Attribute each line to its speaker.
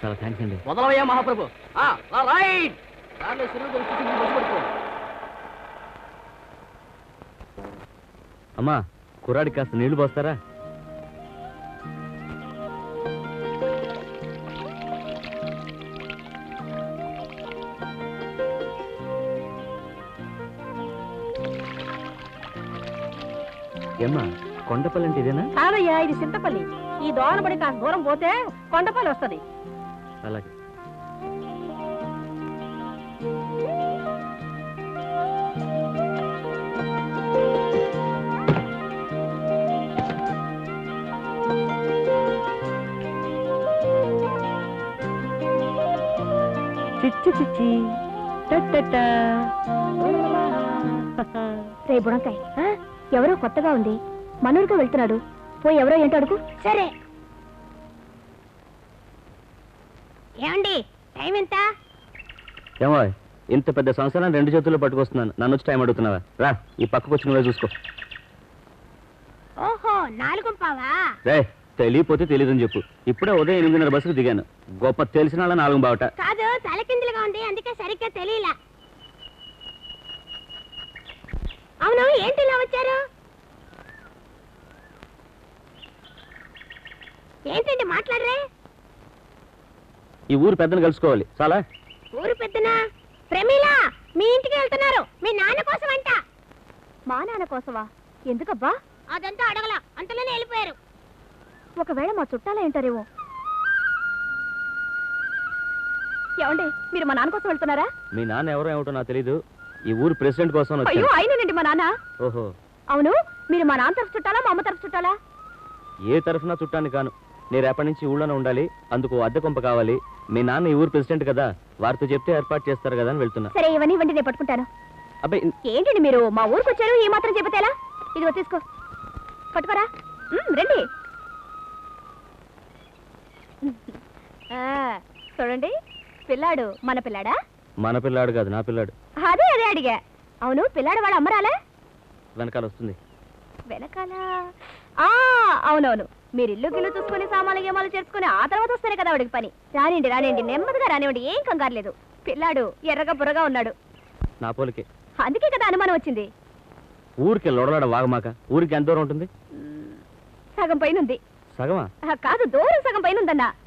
Speaker 1: చాలా థ్యాంక్స్ అండి.
Speaker 2: మొదలవయ్యా మహాప్రభు. రైట్.
Speaker 1: అమ్మా, కుర్రాడికి కాస్త నీళ్లు పోస్తారా? ఏమ్మా, కొండపల్లి అంటే ఇదేనా?
Speaker 3: కాదయ్యా, ఇది చింతపల్లి. ఈ దోనబడి కాస్త దూరం పోతే కొండపల్లి వస్తుంది.
Speaker 1: అలాగే. చిచ్చి చిచ్చి
Speaker 3: రే బుడంకాయ్, ఎవరో కొత్తగా ఉంది, మనూరుగా వెళ్తున్నాడు. పోయి ఎవరో ఏంటో అడుగు. సరే. ఏమండి, టైం ఎంత?
Speaker 1: ఏమో, ఇంత పెద్ద సంవత్సరం 2 చేతుల్లో పట్టుకొస్తున్నాను. నన్ను వచ్చి టైం అడుగుతున్నావా? రా, ఈ పక్కకు వచ్చి నువ్వే చూసుకో.
Speaker 3: ఓహో, 4:15.
Speaker 1: రే, తెలియపోతే తెలియదని చెప్పు. ఇప్పుడే ఉదయం 8:30 బస్సుకు దిగాను. గొప్ప తెలిసిన వాళ్ళ 4:15.
Speaker 3: కాదు, తలకిందులుగా ఉంది, అందుకే సరిగ్గా తెలియలా. అవును, ఏంటి ఇలా వచ్చారు? ఏంటండి మాట్లాడరే?
Speaker 1: ఈ ఊరు పెద్దను కలుసుకోవాలి. చాలా.
Speaker 3: ఊరు పెద్దనా? ప్రమీలా, మీ ఇంటికి వెళ్తున్నారు. మీ నాన్న కోసం అంట. మా నాన్న కోసమా? ఎందుకబ్బా? అదంతా అడగల, అంతలోనే వెళ్ళిపోయారు. ఒకవేళ మా చుట్టాలే ఉంటారేమో. ఏమండి, మీరు మా నాన్న కోసం వెళ్తున్నారా?
Speaker 1: మీ నాన్న ఎవరో ఏమిటో నాకు తెలీదు. ఈ ఊరు ప్రెసిడెంట్ కోసం వచ్చాను.
Speaker 3: అయ్యో, అయినండి మా నాన్న.
Speaker 1: ఓహో.
Speaker 3: అవును, మీరు మా నాన్న తరఫు చుట్టాలా, మా అమ్మ తరఫు చుట్టాలా?
Speaker 1: ఏ తరఫున చుట్టాన్ని కాను. నేను రేపటి నుంచి ఊళ్ళోనే ఉండాలి. అందుకు అద్దె కొంప కావాలి. మీ నాన్న ఈ ఊరు ప్రెసిడెంట్ కదా, వారితో చెప్తే ఏర్పాటు చేస్తారు కదా అని వెళ్తున్నా.
Speaker 3: సరే, ఇవన్నీ ఇవ్వండి, నేను పట్టుకుంటాను.
Speaker 1: అబ్బాయి,
Speaker 3: ఏంటండి మీరు మా ఊరికి వచ్చారు, ఈ మాత్రం చెబితేలా? ఇదిగో తీసుకో, పట్టుకోరా. రండి. చూడండి, పిల్లాడు మన పిల్లాడా?
Speaker 1: మన పిల్లాడు కాదు, నా పిల్లాడు.
Speaker 3: అదే అదే అడిగా. అవును, పిల్లాడు వాళ్ళ అమ్మరాలే?
Speaker 1: వెనకాల వస్తుంది.
Speaker 3: వెనకాల? అవునవును. మీరు ఇల్లు గిల్లు చూసుకుని సామాన్లు గేమాలు చేసుకుని ఆ తర్వాత వస్తేనే కదా వాడికి పని. రానివ్వండి రానివ్వండి, నెమ్మదిగా రానివ్వండి, ఏం కంగారు లేదు. పిల్లాడు ఎర్రగా బుర్రగా ఉన్నాడు.
Speaker 1: నా పోలికే.
Speaker 3: అందుకే కదా అనుమానం వచ్చింది.
Speaker 1: ఊరికి లొడలాడ వాగమాక. ఊరికి ఎంత దూరం ఉంటుంది?
Speaker 3: సగం పైన ఉంది.
Speaker 1: సగమా?
Speaker 3: కాదు, దూరం సగం పైన ఉందన్నా.